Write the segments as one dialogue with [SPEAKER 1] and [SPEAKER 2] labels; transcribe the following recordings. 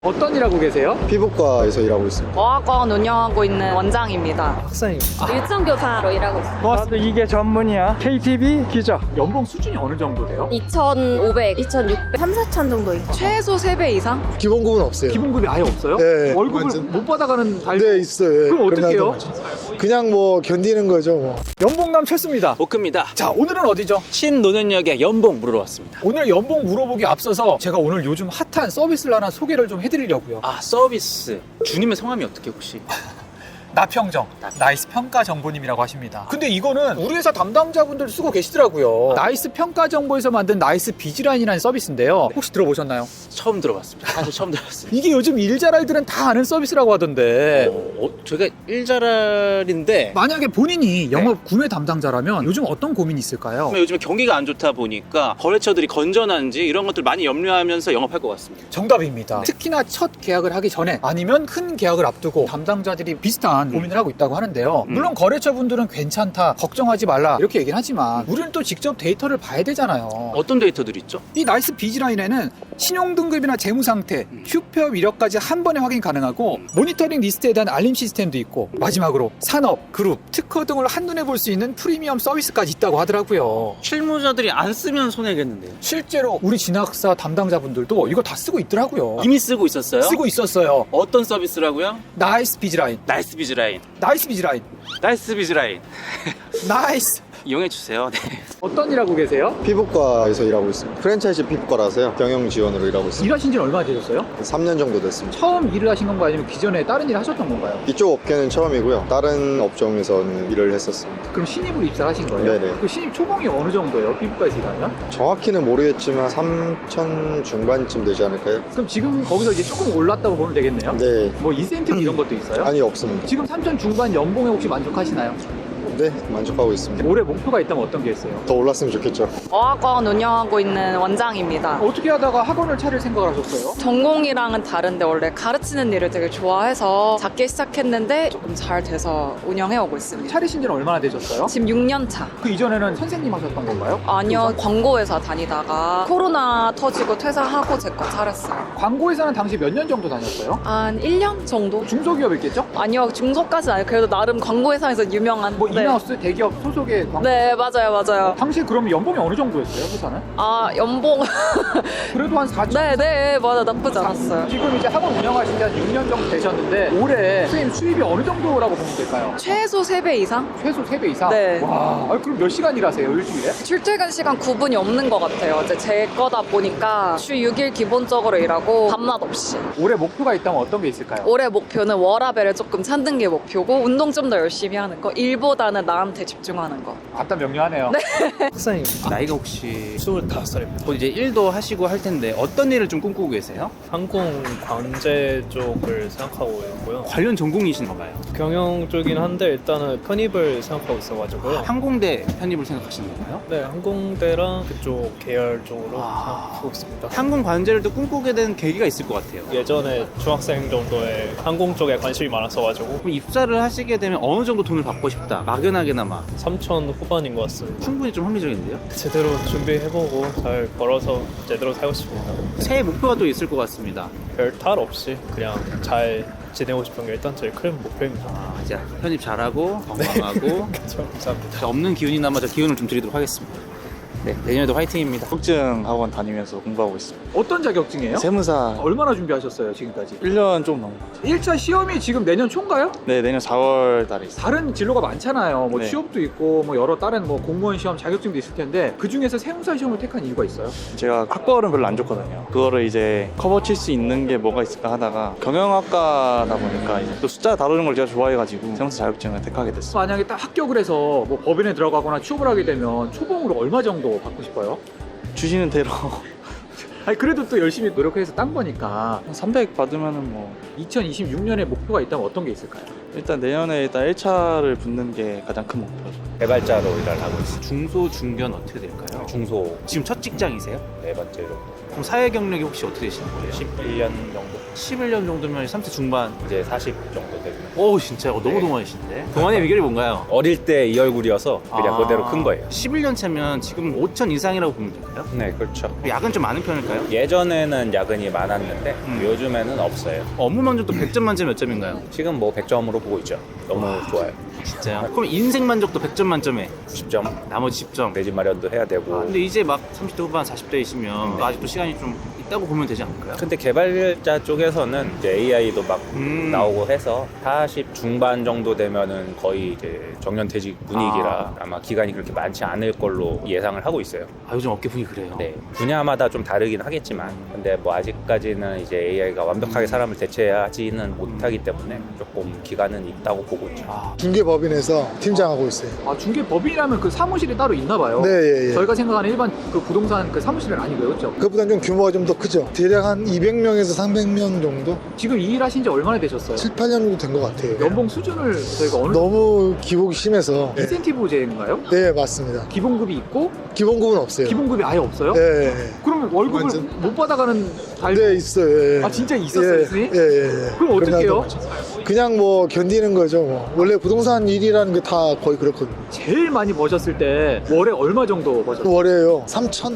[SPEAKER 1] 어떤 일 하고 계세요?
[SPEAKER 2] 피부과에서 일하고 있습니다.
[SPEAKER 3] 어학원 운영하고 있는 원장입니다.
[SPEAKER 1] 학생입니다.
[SPEAKER 3] 일정교사로 일하고 있습니다.
[SPEAKER 1] 나도 이게 전문이야. KTV 기자. 연봉 수준이 어느 정도 돼요?
[SPEAKER 3] 2,500, 2,600, 3, 4천 정도 있고 최소 3배 이상?
[SPEAKER 2] 기본급은 없어요.
[SPEAKER 1] 기본급이 아예 없어요?
[SPEAKER 2] 네,
[SPEAKER 1] 월급을
[SPEAKER 2] 완전.
[SPEAKER 1] 못 받아가는 달.
[SPEAKER 2] 네, 있어요. 예.
[SPEAKER 1] 그럼 어떻게 해요?
[SPEAKER 2] 그냥 뭐 견디는 거죠. 뭐.
[SPEAKER 1] 연봉남 최수입니다.
[SPEAKER 4] 오크입니다.
[SPEAKER 1] 자, 오늘은 어디죠?
[SPEAKER 4] 신논현역에 연봉 물으러 왔습니다.
[SPEAKER 1] 오늘 연봉 물어보기 앞서서 제가 오늘 요즘 핫한 서비스를 하나 소개를 좀 해드리려고요.
[SPEAKER 4] 아, 서비스. 주님의 성함이 어떻게 혹시?
[SPEAKER 1] 나평정, 나이스 평가 정보님이라고 하십니다. 근데 이거는 우리 회사 담당자분들 쓰고 계시더라고요. 나이스 평가 정보에서 만든 나이스 비즈라인이라는 서비스인데요. 혹시 들어보셨나요?
[SPEAKER 4] 처음 들어봤습니다. 사실 처음 들어봤습니다.
[SPEAKER 1] 이게 요즘 일자랄들은 다 아는 서비스라고 하던데.
[SPEAKER 4] 제가 일자랄인데
[SPEAKER 1] 만약에 본인이 영업 구매 담당자라면 요즘 어떤 고민이 있을까요?
[SPEAKER 4] 요즘에 경기가 안 좋다 보니까 거래처들이 건전한지 이런 것들 많이 염려하면서 영업할 것 같습니다.
[SPEAKER 1] 정답입니다. 특히나 첫 계약을 하기 전에 아니면 큰 계약을 앞두고 담당자들이 비슷한 고민을 하고 있다고 하는데요. 물론 거래처분들은 괜찮다, 걱정하지 말라 이렇게 얘기는 하지만 우리는 또 직접 데이터를 봐야 되잖아요.
[SPEAKER 4] 어떤 데이터들이 있죠?
[SPEAKER 1] 이 나이스 비즈라인에는 신용등급이나 재무상태, 휴표 이력까지 한 번에 확인 가능하고 모니터링 리스트에 대한 알림 시스템도 있고 마지막으로 산업, 그룹, 특허 등을 한눈에 볼 수 있는 프리미엄 서비스까지 있다고 하더라고요.
[SPEAKER 4] 실무자들이 안 쓰면 손해겠는데요.
[SPEAKER 1] 실제로 우리 진학사 담당자분들도 이거 다 쓰고 있더라고요.
[SPEAKER 4] 이미 쓰고 있었어요?
[SPEAKER 1] 쓰고 있었어요.
[SPEAKER 4] 어떤 서비스라고요?
[SPEAKER 1] 나이스 비즈라인,
[SPEAKER 4] 나이스 비즈라인.
[SPEAKER 1] 나이스 비즈라인,
[SPEAKER 4] 나이스 비즈라인.
[SPEAKER 1] 나이스.
[SPEAKER 4] 이용해주세요. 네.
[SPEAKER 1] 어떤 일 하고 계세요?
[SPEAKER 2] 피부과에서 일하고 있습니다. 프랜차이즈 피부과라서요. 경영 지원으로 일하고 있습니다.
[SPEAKER 1] 일하신 지는 얼마나 되셨어요?
[SPEAKER 2] 3년 정도 됐습니다.
[SPEAKER 1] 처음 일을 하신 건가요? 아니면 기존에 다른 일 하셨던 건가요?
[SPEAKER 2] 이쪽 업계는 처음이고요. 다른 업종에서는 일을 했었습니다.
[SPEAKER 1] 그럼 신입으로 입사하신 거예요?
[SPEAKER 2] 네네.
[SPEAKER 1] 그 신입 초봉이 어느 정도예요? 피부과에서 일하면?
[SPEAKER 2] 정확히는 모르겠지만 3천 중반쯤 되지 않을까요?
[SPEAKER 1] 그럼 지금 거기서 이제 조금 올랐다고 보면 되겠네요?
[SPEAKER 2] 네.
[SPEAKER 1] 뭐 인센티브 이런 것도 있어요?
[SPEAKER 2] 아니, 없습니다.
[SPEAKER 1] 지금 3천 중반 연봉에 혹시 만족하시나요?
[SPEAKER 2] 네, 만족하고 있습니다.
[SPEAKER 1] 올해 목표가 있다면 어떤 게 있어요?
[SPEAKER 2] 더 올랐으면 좋겠죠.
[SPEAKER 3] 어학원 운영하고 있는 원장입니다.
[SPEAKER 1] 어떻게 하다가 학원을 차릴 생각을 하셨어요?
[SPEAKER 3] 전공이랑은 다른데 원래 가르치는 일을 되게 좋아해서 작게 시작했는데 조금 잘 돼서 운영해오고 있습니다.
[SPEAKER 1] 차리신 지는 얼마나 되셨어요?
[SPEAKER 3] 지금 6년 차.
[SPEAKER 1] 그 이전에는 선생님 하셨던 건가요?
[SPEAKER 3] 아니요, 광고회사 다니다가 코로나 터지고 퇴사하고 제 거 차렸어요.
[SPEAKER 1] 광고회사는 당시 몇 년 정도 다녔어요?
[SPEAKER 3] 한 1년 정도?
[SPEAKER 1] 중소기업이겠죠?
[SPEAKER 3] 아니요, 중소까지는 아니에요. 그래도 나름 광고회사에서 유명한.
[SPEAKER 1] 뭐
[SPEAKER 3] 네.
[SPEAKER 1] 인하우스 대기업 소속의 광고.
[SPEAKER 3] 네, 맞아요.
[SPEAKER 1] 당시 그럼 연봉이 어느 정도였어요, 회사는?
[SPEAKER 3] 아, 연봉.
[SPEAKER 1] 그래도 한 4천.
[SPEAKER 3] 네, 맞아. 나쁘지 않았어요.
[SPEAKER 1] 지금 이제 학원 운영하신 지 한 6년 정도 되셨는데 올해 선생님 수입이 어느 정도라고 보면 될까요?
[SPEAKER 3] 최소 3배 이상?
[SPEAKER 1] 최소 3배 이상?
[SPEAKER 3] 네.
[SPEAKER 1] 와, 그럼 몇 시간 일하세요, 일주일에?
[SPEAKER 3] 출퇴근 시간 구분이 없는 것 같아요. 이제 제 거다 보니까 주 6일 기본적으로 일하고 밤낮 없이.
[SPEAKER 1] 올해 목표가 있다면 어떤 게 있을까요?
[SPEAKER 3] 올해 목표는 워라밸을 조금 찾는 게 목표고 운동 좀 더 열심히 하는 거. 일보다는 나한테 집중하는 거.
[SPEAKER 1] 아따 명료하네요.
[SPEAKER 5] 학생입니다.
[SPEAKER 4] 나이가 혹시
[SPEAKER 5] 25살입니다.
[SPEAKER 4] 곧 이제 일도 하시고 할 텐데 어떤 일을 좀 꿈꾸고 계세요?
[SPEAKER 5] 항공 관제 쪽을 생각하고 있고요.
[SPEAKER 4] 관련 전공이신가 봐요.
[SPEAKER 5] 경영 쪽이긴 한데 일단은 편입을 생각하고 있어가지고요.
[SPEAKER 4] 항공대 편입을 생각하시는 건가요?
[SPEAKER 5] 네, 항공대랑 그쪽 계열 쪽으로
[SPEAKER 4] 아.
[SPEAKER 5] 생각하고 있습니다.
[SPEAKER 4] 항공 관제를 또 꿈꾸게 된 계기가 있을 것 같아요.
[SPEAKER 5] 예전에 중학생 정도에 항공 쪽에 관심이 많았어가지고
[SPEAKER 4] 그럼 입사를 하시게 되면 어느 정도 돈을 받고 싶다. 막연하게나마
[SPEAKER 5] 3천 후반인 것 같습니다.
[SPEAKER 4] 충분히 좀 합리적인데요?
[SPEAKER 5] 제대로 준비해보고 잘 벌어서 제대로 살고 싶습니다.
[SPEAKER 4] 새해 목표가 또 있을 것 같습니다.
[SPEAKER 5] 별 탈 없이 그냥 잘 지내고 싶은 게 일단 제일 큰 목표입니다.
[SPEAKER 4] 아, 이제 편입 잘하고 건강하고
[SPEAKER 5] 그렇죠. 감사합니다.
[SPEAKER 4] 자, 없는 기운이나마 저 기운을 좀 드리도록 하겠습니다. 네, 내년에도 화이팅입니다.
[SPEAKER 6] 자격증 학원 다니면서 공부하고 있습니다.
[SPEAKER 1] 어떤 자격증이에요?
[SPEAKER 6] 세무사
[SPEAKER 1] 얼마나 준비하셨어요, 지금까지?
[SPEAKER 6] 1년 좀 넘은 것 같아요.
[SPEAKER 1] 1차 시험이 지금 내년 초인가요?
[SPEAKER 6] 네, 내년 4월 달에 있어요.
[SPEAKER 1] 다른 진로가 많잖아요. 뭐
[SPEAKER 6] 네.
[SPEAKER 1] 취업도 있고 뭐 여러 다른 뭐 공무원 시험 자격증도 있을 텐데 그 중에서 세무사 시험을 택한 이유가 있어요?
[SPEAKER 6] 제가 학벌은 별로 안 좋거든요. 그거를 이제 커버 칠 수 있는 게 뭐가 있을까 하다가 경영학과다 보니까 이제 또 숫자 다루는 걸 제가 좋아해가지고 세무사 자격증을 택하게 됐어요.
[SPEAKER 1] 만약에 딱 합격을 해서 뭐 법인에 들어가거나 취업을 하게 되면 초봉으로 얼마 정도 받고 싶어요?
[SPEAKER 6] 주시는 대로
[SPEAKER 1] 아니 그래도 또 열심히 노력해서 딴 거니까
[SPEAKER 6] 300 받으면은 뭐
[SPEAKER 1] 2026년에 목표가 있다면 어떤 게 있을까요?
[SPEAKER 6] 일단 내년에 일단 1차를 붙는 게 가장 큰 목표죠.
[SPEAKER 7] 개발자로 일을 하고 있어요.
[SPEAKER 4] 중소 중견 어떻게 될까요?
[SPEAKER 7] 중소
[SPEAKER 4] 지금 첫 직장이세요?
[SPEAKER 7] 네 번째로
[SPEAKER 4] 그럼 사회 경력이 혹시 어떻게 되시는 거예요?
[SPEAKER 5] 11년 정도.
[SPEAKER 4] 11년 정도면 30대 중반.
[SPEAKER 5] 이제 40 정도 되면.
[SPEAKER 4] 오 진짜요? 너무 동안이신데. 동안의 비결이 뭔가요?
[SPEAKER 7] 어릴 때 이 얼굴이어서 그냥 그대로 큰 거예요.
[SPEAKER 4] 11년 차면 지금 5천 이상이라고 보면 될까요?
[SPEAKER 7] 네, 그렇죠.
[SPEAKER 4] 야근 좀 많은 편일까요?
[SPEAKER 7] 예전에는 야근이 많았는데 요즘에는 없어요.
[SPEAKER 4] 업무 만족도 100점 만점 몇 점인가요?
[SPEAKER 7] 지금 뭐 100점으로 보고 있죠. 너무 좋아요.
[SPEAKER 4] 진짜요? 그럼 인생 만족도 100점 만점에
[SPEAKER 7] 10점.
[SPEAKER 4] 나머지 10점.
[SPEAKER 7] 내 집 마련도 해야 되고.
[SPEAKER 4] 근데 이제 막 30대 후반 40대이시면 아직도 시간이 좀 있다고 보면 되지 않을까요?
[SPEAKER 7] 근데 개발자 쪽에서는 이제 AI도 막 나오고 해서 40 중반 정도 되면은 거의 이제 정년퇴직 분위기라 아마 기간이 그렇게 많지 않을 걸로 예상을 하고 있어요.
[SPEAKER 4] 아 요즘 업계 분위기 그래요?
[SPEAKER 7] 네, 분야마다 좀 다르긴 하겠지만, 근데 뭐 아직까지는 이제 AI가 완벽하게 사람을 대체하지는 못하기 때문에 조금 기간은 있다고 보고 있죠.
[SPEAKER 8] 중개법인에서 팀장하고 있어요.
[SPEAKER 1] 아, 중개법인이라면 그 사무실이 따로 있나 봐요.
[SPEAKER 8] 네, 예, 예.
[SPEAKER 1] 저희가 생각하는 일반 그 부동산 그 사무실은 아니고요, 그렇죠?
[SPEAKER 8] 그보다는 좀 규모가 좀 더 크죠. 대략 한 200명에서 300명 정도?
[SPEAKER 1] 지금 이 일 하신 지 얼마나 되셨어요?
[SPEAKER 8] 7, 8년 정도 된 것 같아요.
[SPEAKER 1] 연봉 수준을 저희가 어느
[SPEAKER 8] 너무 기복이 심해서. 네,
[SPEAKER 1] 인센티브제인가요?
[SPEAKER 8] 네, 맞습니다.
[SPEAKER 1] 기본급이 있고
[SPEAKER 8] 기본급은 없어요.
[SPEAKER 1] 기본급이 아예 없어요?
[SPEAKER 8] 네, 네.
[SPEAKER 1] 그러면 월급을
[SPEAKER 8] 완전-
[SPEAKER 1] 못 받아가는 달
[SPEAKER 8] 네, 있어요. 예.
[SPEAKER 1] 아, 진짜 있었어요,
[SPEAKER 8] 예,
[SPEAKER 1] 선생님?
[SPEAKER 8] 예, 예.
[SPEAKER 1] 그럼 어떻게 해요?
[SPEAKER 8] 그냥 뭐 견디는 거죠. 뭐. 원래 부동산 일이라는 게 다 거의 그렇거든요.
[SPEAKER 1] 제일 많이 버셨을 때 월에 얼마 정도 버셨어요?
[SPEAKER 8] 월에요. 3천?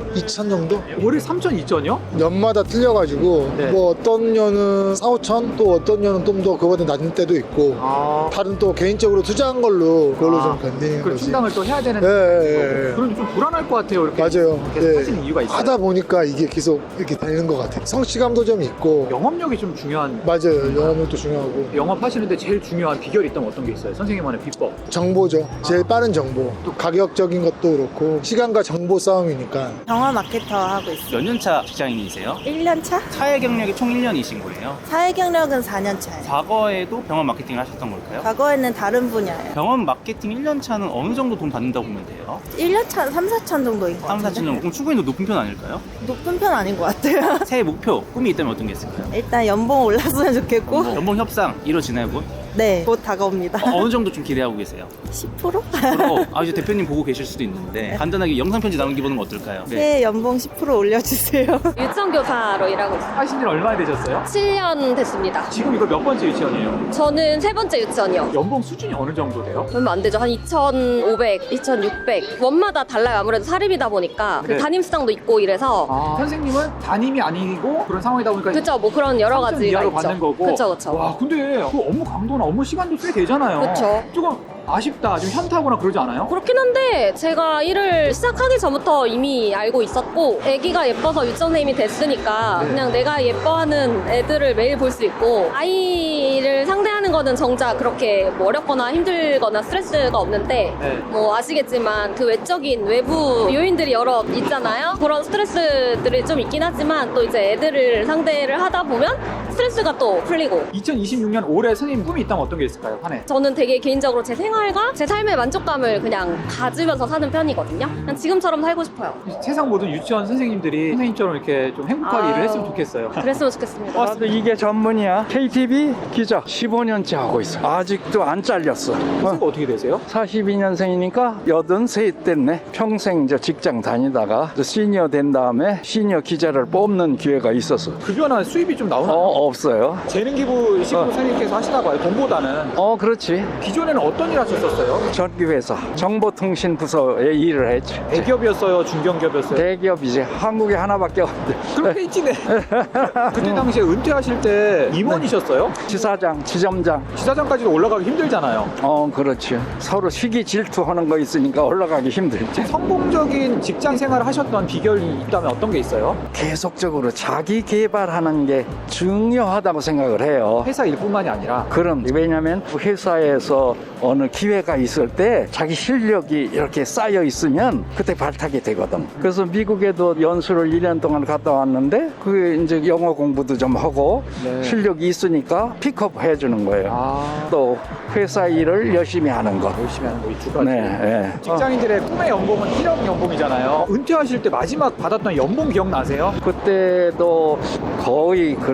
[SPEAKER 8] 2천 정도?
[SPEAKER 1] 월에 3천, 2천이요?
[SPEAKER 8] 년마다 틀려가지고
[SPEAKER 1] 네.
[SPEAKER 8] 뭐 어떤 년은 4, 5천, 또 어떤 년은 좀 더 그거보다 낮은 때도 있고,
[SPEAKER 1] 아,
[SPEAKER 8] 다른 또 개인적으로 투자한 걸로 그걸로 좀 견디는
[SPEAKER 1] 그
[SPEAKER 8] 거지.
[SPEAKER 1] 충당을 또 해야 되는
[SPEAKER 8] 예, 예, 예.
[SPEAKER 1] 그럼 좀 불안할 것 같아요, 이렇게
[SPEAKER 8] 맞아요.
[SPEAKER 1] 계속
[SPEAKER 8] 예.
[SPEAKER 1] 하시는 이유가 있어요.
[SPEAKER 8] 하다 보니까 이게 계속 이렇게 되는 것 같아요. 성취감도 좀 있고.
[SPEAKER 1] 영업력이 좀 중요한.
[SPEAKER 8] 맞아요. 영업력도 중요하고.
[SPEAKER 1] 영업하시는데 제일 중요한 비결이 있다면 어떤 게 있어요? 선생님만의 비법.
[SPEAKER 8] 정보죠. 제일 빠른 정보. 또 가격적인 것도 그렇고, 시간과 정보 싸움이니까.
[SPEAKER 9] 영화 마케터 하고 있어요.
[SPEAKER 4] 몇 년 차 직장인이세요?
[SPEAKER 9] 1년 차?
[SPEAKER 4] 사회 경력이 총 1년이신 거예요?
[SPEAKER 9] 사회 경력은 4년 차예요.
[SPEAKER 4] 과거에도 병원 마케팅을 하셨던 걸까요?
[SPEAKER 9] 과거에는 다른 분야예요.
[SPEAKER 4] 병원 마케팅 1년 차는 어느 정도 돈 받는다고 보면 돼요?
[SPEAKER 9] 1년 차 3, 4천 정도인 것
[SPEAKER 4] 3,
[SPEAKER 9] 같은데.
[SPEAKER 4] 4천 정도. 그럼 충분히 높은 편 아닐까요?
[SPEAKER 9] 높은 편 아닌 것 같아요.
[SPEAKER 4] 새해 목표, 꿈이 있다면 어떤 게 있을까요?
[SPEAKER 9] 일단 연봉 올랐으면 좋겠고.
[SPEAKER 4] 연봉 협상 이루어지나요, 곧?
[SPEAKER 9] 네, 곧 다가옵니다.
[SPEAKER 4] 어느 정도 좀 기대하고 계세요?
[SPEAKER 9] 10%?
[SPEAKER 4] 이제 대표님 보고 계실 수도 있는데 간단하게 영상 편지 나누기 보는 건 어떨까요?
[SPEAKER 9] 새해 연봉 10% 올려주세요.
[SPEAKER 10] 유치원교사로 일하고 있어요.
[SPEAKER 1] 하신 지 얼마나 되셨어요?
[SPEAKER 10] 7년 됐습니다.
[SPEAKER 1] 지금 이거 몇 번째 유치원이에요?
[SPEAKER 10] 저는 세 번째 유치원이요.
[SPEAKER 1] 연봉 수준이 어느 정도 돼요?
[SPEAKER 10] 얼마 안 되죠. 한 2,500, 2,600. 원마다 달라요. 아무래도 사립이다 보니까 그
[SPEAKER 1] 네.
[SPEAKER 10] 담임수당도 있고 이래서.
[SPEAKER 1] 선생님은 담임이 아니고 그런 상황이다 보니까
[SPEAKER 10] 그쵸, 뭐 그런 여러
[SPEAKER 1] 3천
[SPEAKER 10] 가지가
[SPEAKER 1] 이하로
[SPEAKER 10] 있죠.
[SPEAKER 1] 받는 거고.
[SPEAKER 10] 그쵸, 그쵸.
[SPEAKER 1] 와, 근데 그 업무 강도나 업무 시간도 꽤 되잖아요.
[SPEAKER 10] 그쵸.
[SPEAKER 1] 조금 아쉽다, 좀 현타하거나 그러지 않아요?
[SPEAKER 10] 그렇긴 한데 제가 일을 시작하기 전부터 이미 알고 있었고 애기가 예뻐서 유치원 선생님이 됐으니까
[SPEAKER 1] 네.
[SPEAKER 10] 그냥 내가 예뻐하는 애들을 매일 볼 수 있고 아이를 상대하는 거는 정작 그렇게 뭐 어렵거나 힘들거나 스트레스가 없는데
[SPEAKER 1] 네.
[SPEAKER 10] 뭐 아시겠지만 그 외적인 외부 요인들이 여러 있잖아요. 그런 스트레스들이 좀 있긴 하지만 또 이제 애들을 상대를 하다 보면 스트레스가 또 풀리고
[SPEAKER 1] 2026년 올해 선생님 꿈이 있다면 어떤 게 있을까요? 한 해.
[SPEAKER 10] 저는 되게 개인적으로 제 생활과 제 삶의 만족감을 그냥 가지면서 사는 편이거든요. 그냥 지금처럼 살고 싶어요.
[SPEAKER 1] 세상 모든 유치원 선생님들이 선생님처럼 이렇게 좀 행복하게
[SPEAKER 10] 아유.
[SPEAKER 1] 일을 했으면 좋겠어요.
[SPEAKER 10] 그랬으면 좋겠습니다.
[SPEAKER 11] 나도 이게 전문이야. KTV 기자 15년째 하고 있어. 아직도 안 잘렸어.
[SPEAKER 1] 선생님 어떻게 되세요?
[SPEAKER 11] 42년생이니까 83 됐네. 평생 저 직장 다니다가 저 시니어 된 다음에 시니어 기자를 뽑는 기회가 있었어.
[SPEAKER 1] 급여나 수입이 좀 나오나요?
[SPEAKER 11] 없어요.
[SPEAKER 1] 재능 기부식으로 선생님께서 하시나 봐요. 돈보다는.
[SPEAKER 11] 그렇지.
[SPEAKER 1] 기존에는 어떤 일 하셨었어요?
[SPEAKER 11] 전기회사 정보통신 부서에 일을 했지.
[SPEAKER 1] 대기업이었어요? 중견기업이었어요?
[SPEAKER 11] 대기업이지. 한국에 하나밖에 없는데.
[SPEAKER 1] 그럼 페이지네. 그때 당시에 은퇴하실 때 임원이셨어요?
[SPEAKER 11] 지사장, 지점장.
[SPEAKER 1] 지사장까지도 올라가기 힘들잖아요.
[SPEAKER 11] 그렇지. 서로 시기 질투하는 거 있으니까 올라가기 힘들지.
[SPEAKER 1] 성공적인 직장 생활을 하셨던 비결이 있다면 어떤 게 있어요?
[SPEAKER 11] 계속적으로 자기 개발하는 게 중요하다고 생각을 해요.
[SPEAKER 1] 회사 일뿐만이 아니라.
[SPEAKER 11] 그럼 왜냐면 회사에서 어느 기회가 있을 때 자기 실력이 이렇게 쌓여 있으면 그때 발탁이 되거든. 그래서 미국에도 연수를 1년 동안 갔다 왔는데 그게 이제 영어 공부도 좀 하고
[SPEAKER 1] 네.
[SPEAKER 11] 실력이 있으니까 픽업 해주는 거예요. 또 회사 일을 열심히 하는 거.
[SPEAKER 1] 열심히 하는 거 이 두 가지.
[SPEAKER 11] 네.
[SPEAKER 1] 직장인들의 꿈의 연봉은 1억 연봉이잖아요. 은퇴하실 때 마지막 받았던 연봉 기억나세요?
[SPEAKER 11] 그때도 거의 그렇게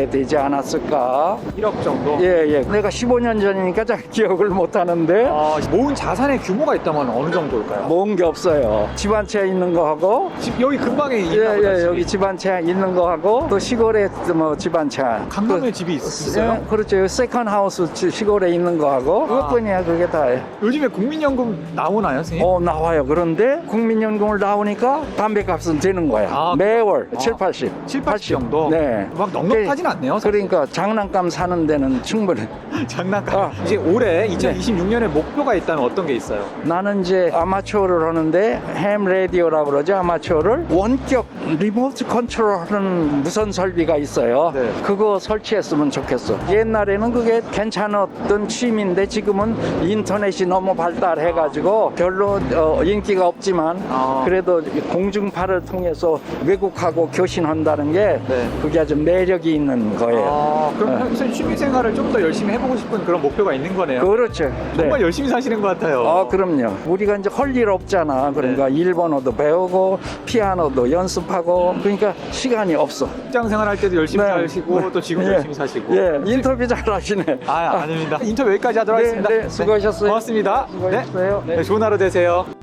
[SPEAKER 11] 되지 않았을까?
[SPEAKER 1] 1억 정도?
[SPEAKER 11] 예. 내가 15년 전이니까 잘 기억을 못 하는데
[SPEAKER 1] 모은 자산의 규모가 있다면 어느 정도일까요?
[SPEAKER 11] 모은 게 없어요. 집 한 채 있는 거 하고
[SPEAKER 1] 집 여기 근방에 있나 보다, 집이.
[SPEAKER 11] 여기 집 한 채 있는 거 하고 또 시골에 뭐 집 한 채.
[SPEAKER 1] 강남에 집이 있어요?
[SPEAKER 11] 예, 그렇죠. 세컨 하우스 시골에 있는 거 하고 그것뿐이야. 그게 다예요.
[SPEAKER 1] 요즘에 국민연금 나오나요, 선생님?
[SPEAKER 11] 나와요. 그런데 국민연금을 나오니까 담배값은 되는 거야. 매월 7, 80.
[SPEAKER 1] 7, 80 정도?
[SPEAKER 11] 네.
[SPEAKER 1] 막 넉넉하진 않네요. 사실.
[SPEAKER 11] 그러니까 장난감 사는 데는 충분해.
[SPEAKER 1] 장난감. 이제 올해 2026년에 목표가 있다면 어떤 게 있어요?
[SPEAKER 11] 나는 이제 아마추어를 하는데 햄 라디오라고 그러죠. 아마추어를 원격 리모트 컨트롤하는 무선 설비가 있어요.
[SPEAKER 1] 네.
[SPEAKER 11] 그거 설치했으면 좋겠어. 옛날에는 그게 괜찮았던 취미인데 지금은 인터넷이 너무 발달해가지고 별로 인기가 없지만 그래도 공중파를 통해서 외국하고 교신한다는 게 그게 아주 매력이 있는 거예요.
[SPEAKER 1] 그럼 선생님 취미생활을 좀 더 열심히 해보고 싶은 그런 목표가 있는 거네요.
[SPEAKER 11] 그렇죠.
[SPEAKER 1] 정말 열심히 사시는 것 같아요.
[SPEAKER 11] 그럼요. 우리가 이제 할 일 없잖아. 그러니까 일본어도 배우고 피아노도 연습하고 그러니까 시간이 없어.
[SPEAKER 1] 직장생활 할 때도 열심히 사시고 또 지금 열심히 사시고.
[SPEAKER 11] 인터뷰 잘하시네.
[SPEAKER 1] 아닙니다. 인터뷰 여기까지 하도록 하겠습니다.
[SPEAKER 11] 수고하셨어요.
[SPEAKER 1] 고맙습니다.
[SPEAKER 11] 수고하셨어요.
[SPEAKER 1] 네, 좋은 하루 되세요.